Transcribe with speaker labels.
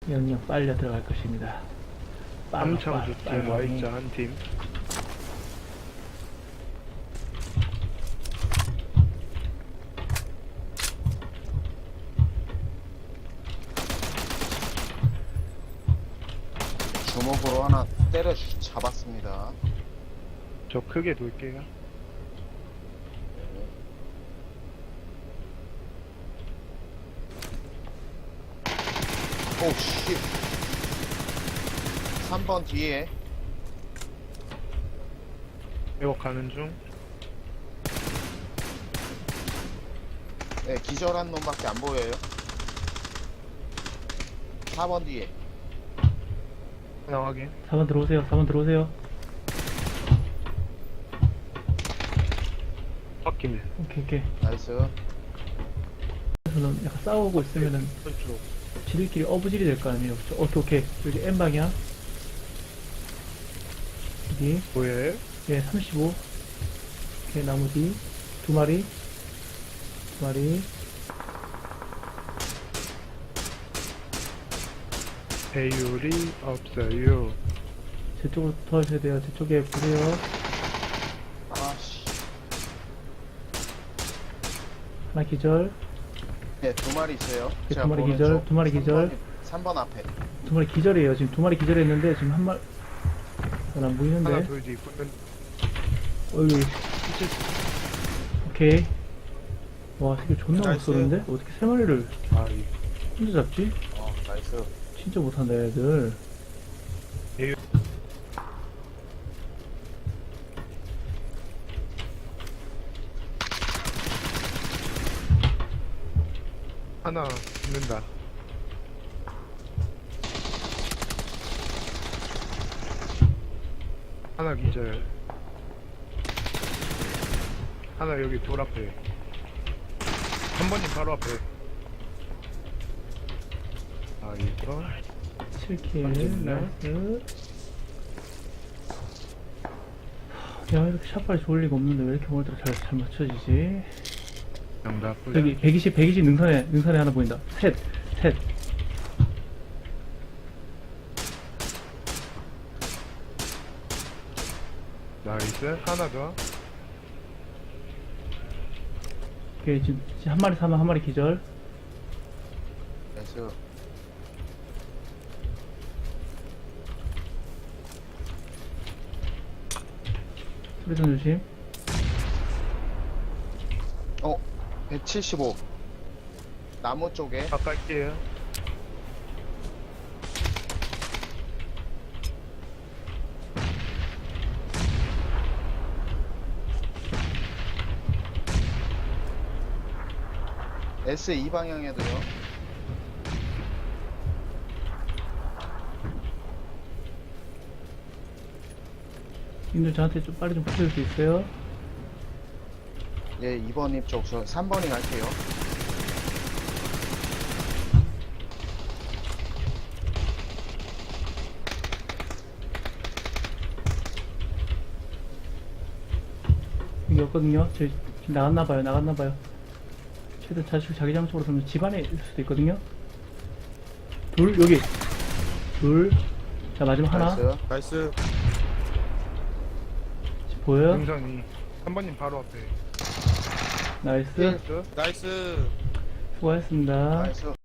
Speaker 1: 영역 빨려 들어갈 것입니다.
Speaker 2: 함창주팀 Y자 한 팀.
Speaker 3: 주먹으로 하나 때려 잡았습니다.
Speaker 2: 저 크게 돌게요.
Speaker 3: 오, 씨. 3번 뒤에.
Speaker 2: 에어 가는 중.
Speaker 3: 네, 기절한 놈밖에 안 보여요. 4번 뒤에.
Speaker 2: 하나 확인.
Speaker 1: 4번 들어오세요. 4번 들어오세요.
Speaker 2: 확인.
Speaker 1: 오케이.
Speaker 3: 나이스.
Speaker 1: 저는 약간 싸우고 있으면은
Speaker 2: 왼쪽.
Speaker 1: 지들끼리 어부질이 될 거 아니에요. 오케이. 여기 N방향. 여기.
Speaker 2: 보여요?
Speaker 1: 예, 35. 오케이, 나무 뒤. 두 마리.
Speaker 2: 배율이 없어요.
Speaker 1: 제 쪽으로 도와주셔야 돼요. 제 쪽에 보세요.
Speaker 3: 아씨.
Speaker 1: 하나 기절.
Speaker 3: 네, 2마리 있어요.
Speaker 1: 네,
Speaker 3: 제가
Speaker 1: 두 마리
Speaker 3: 보는
Speaker 1: 기절,
Speaker 3: 쪽.
Speaker 1: 두 마리 기절.
Speaker 3: 3번 앞에.
Speaker 1: 두 마리 기절이에요. 지금 두 마리 기절했는데, 지금 한 마리, 안 보이는데.
Speaker 2: 하나 돌 뒤 붙는.
Speaker 1: 어이, 오케이. 와, 새끼 존나 못
Speaker 3: 나이스.
Speaker 1: 쏘는데? 어떻게 세 마리를
Speaker 2: 아이.
Speaker 1: 혼자 잡지?
Speaker 3: 나이스.
Speaker 1: 진짜 못한다, 애들.
Speaker 2: 배율. 하나 붙는다. 하나 기절. 하나 여기 돌 앞에. 한 번님 바로 앞에. 아 이거
Speaker 1: 7킬,
Speaker 2: 던졌네.
Speaker 1: 나이스. 야, 이렇게 샷발이 좋을 리가 없는데 왜 이렇게 오늘따라 잘 맞춰지지?
Speaker 2: 정답.
Speaker 1: 여기 120 능선에 하나 보인다. 셋.
Speaker 2: 나이스. 하나 더.
Speaker 1: 오케이, 지금 한 마리 사면 한 마리 기절.
Speaker 3: 나이스.
Speaker 1: 소리전 조심.
Speaker 3: 175. 나무 쪽에.
Speaker 2: 바꿀게요.
Speaker 3: S2 방향에도요.
Speaker 1: 님들 저한테 좀 빨리 좀 붙여줄 수 있어요?
Speaker 3: 예, 2번 입 쪽. 저 3번이 갈게요.
Speaker 1: 여기 없거든요. 저 지금 나갔나봐요. 최대 자기장 쪽으로 가면 집 안에 있을 수도 있거든요. 여기. 자, 마지막 하나.
Speaker 3: 나이스.
Speaker 4: 나이스.
Speaker 1: 지금 보여요?
Speaker 2: 능선이. 한 번님 바로 앞에.
Speaker 1: 나이스.
Speaker 2: 나이스.
Speaker 4: 나이스.
Speaker 1: 수고하셨습니다.
Speaker 3: 나이스.